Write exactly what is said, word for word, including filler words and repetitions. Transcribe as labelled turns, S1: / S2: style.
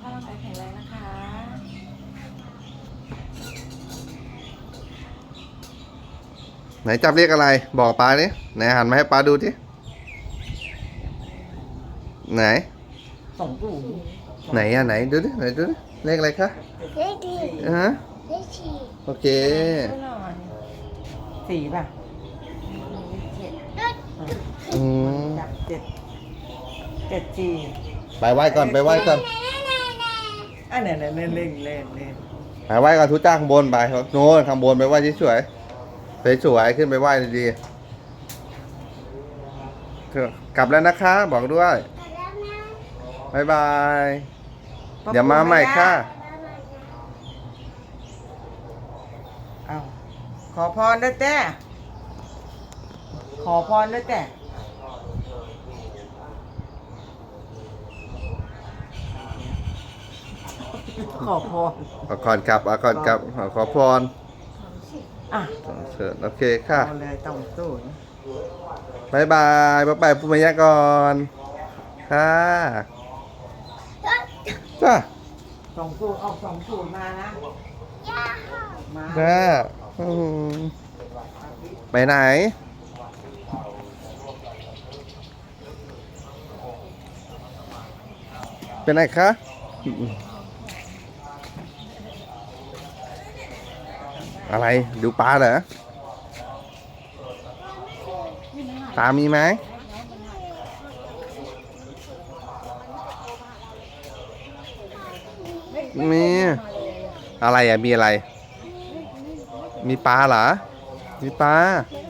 S1: ภาพร่างกายแข็งแรงนะคะ
S2: ไหนจับเรียกอะไรบอกป้าดิไหนหันมาให้ป้าดูดิไหน
S1: สองปู่
S2: ไหนอ่ะไหนดูดิไหนดูดิเลขอะไรคะ
S3: เลขดี
S2: ฮะ
S3: เลขสี่
S2: โอเค
S1: สี่ป่ะ
S2: อืม
S1: จับเจ็ดเจ็ดสี่
S2: ไปไหว้ก่อนไปไหว้ก่อน
S1: อ่ะเนี่ยเนี่ยเล่นเล่นเล่นเล่น
S2: ไปไหว้ก่อนทุจ้าข้างบนไปโน่นข้างบนไปไหว้สวยๆสวยๆขึ้นไปไหว้ดีๆเถอะกลับแล้วนะคะบอกด้วยบายบายเดี๋ยวมาใหม่ค่ะ
S1: เอาขอพรด้วยแต่ขอพรด้วยแต่ขอพร
S2: ขอพรครับขอพรครับขอพร
S1: อ่ะ
S2: เชิญโอเคค่ะ
S1: เอาเลยต้องสู้นะ
S2: บายบายบ๊ายบายปุ้มยะก่อนค่ะจ้า
S1: สองสูตรออกสองสูตรมานะมา
S2: จ้าอืมไปไหนเป็นไหนคะอะไรดูปลาเหรอปลามีไหมมีอะไรอ่ะมีอะไรมีปลาเหรอมีปลา